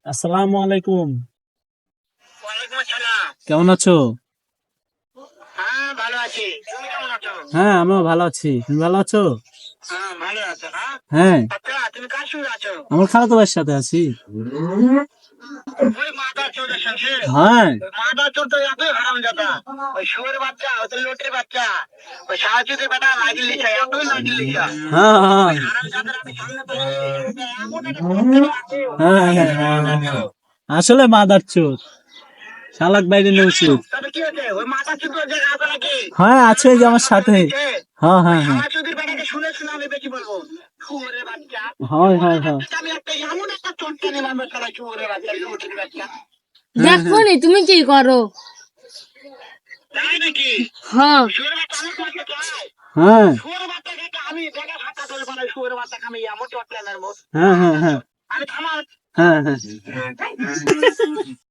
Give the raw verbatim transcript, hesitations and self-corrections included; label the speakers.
Speaker 1: আসসালামু আলাইকুম।
Speaker 2: ওয়ালাইকুম আসসালাম।
Speaker 1: কেমন আছো?
Speaker 2: হ্যাঁ ভালো আছি, তুমি কেমন আছো?
Speaker 1: হ্যাঁ, আমিও ভালো আছি। তুমি ভালো আছো?
Speaker 2: হ্যাঁ ভালো আছো না?
Speaker 1: হ্যাঁ,
Speaker 2: আচ্ছা তুমি কার সঙ্গে আছো?
Speaker 1: আমার খালাতো ভাইয়ের সাথে আছি।
Speaker 2: ওই মাদার চোরের সঙ্গে?
Speaker 1: হ্যাঁ,
Speaker 2: ওই মাদার চোর তো এতই হারামজাদা, ওই শুয়োর বাচ্চা, ওই তো লোটের বাচ্চা, ওই সাহায্যদের বেটা লাগিয়ে লিখা, এতই লাগিয়ে লিখা
Speaker 1: হ্যাঁ, হ্যাঁ,
Speaker 2: হারামজাদার আমি সামনে পাচ্ছি। এমন একটা প্রস্তাব আছে,
Speaker 1: হ্যাঁ, হ্যাঁ, হ্যাঁ, হ্যাঁ। আসলে মাদার চোর শালাক বাইরে নেওয়া উচিত।
Speaker 2: তবে কি হয়েছে? ওই মাদার চোর তোর জায়গায় আছে নাকি?
Speaker 1: হ্যাঁ, আছে এই যে আমার সাথে। হ্যাঁ,
Speaker 2: ওই
Speaker 1: হ্যাঁ, হ্যাঁ,
Speaker 2: সাহায্যদের বেটাকে শুনে শুনে আমি বেশি বলবো, শুয়োরের বাচ্চা।
Speaker 1: হয়, হয়,
Speaker 2: শুয়োরের
Speaker 1: হয়।
Speaker 2: বাচ্চা, আমি একটা এমন একটা চোটকানি মারবো শালা শুয়োরের বাচ্চা, লোটের বাচ্চা।
Speaker 1: হ্যাঁ,
Speaker 3: দেখো
Speaker 1: হ্যাঁ,
Speaker 3: নি তুমি কি করো।
Speaker 2: তাই নাকি?
Speaker 3: হ্যাঁ
Speaker 2: শুয়োরের বাচ্চা আমার কাছে চাই।
Speaker 1: হ্যাঁ,
Speaker 2: শুয়োরের বাচ্চাকে আমি দেখা সাক্ষাৎ করে বানাই, শুয়োরের বাচ্চাকে আমি এমন চটকানের মত।
Speaker 1: হ্যাঁ, হ্যাঁ, হ্যাঁ,
Speaker 2: আমি থামার
Speaker 1: হ্যাঁ, হ্যাঁ।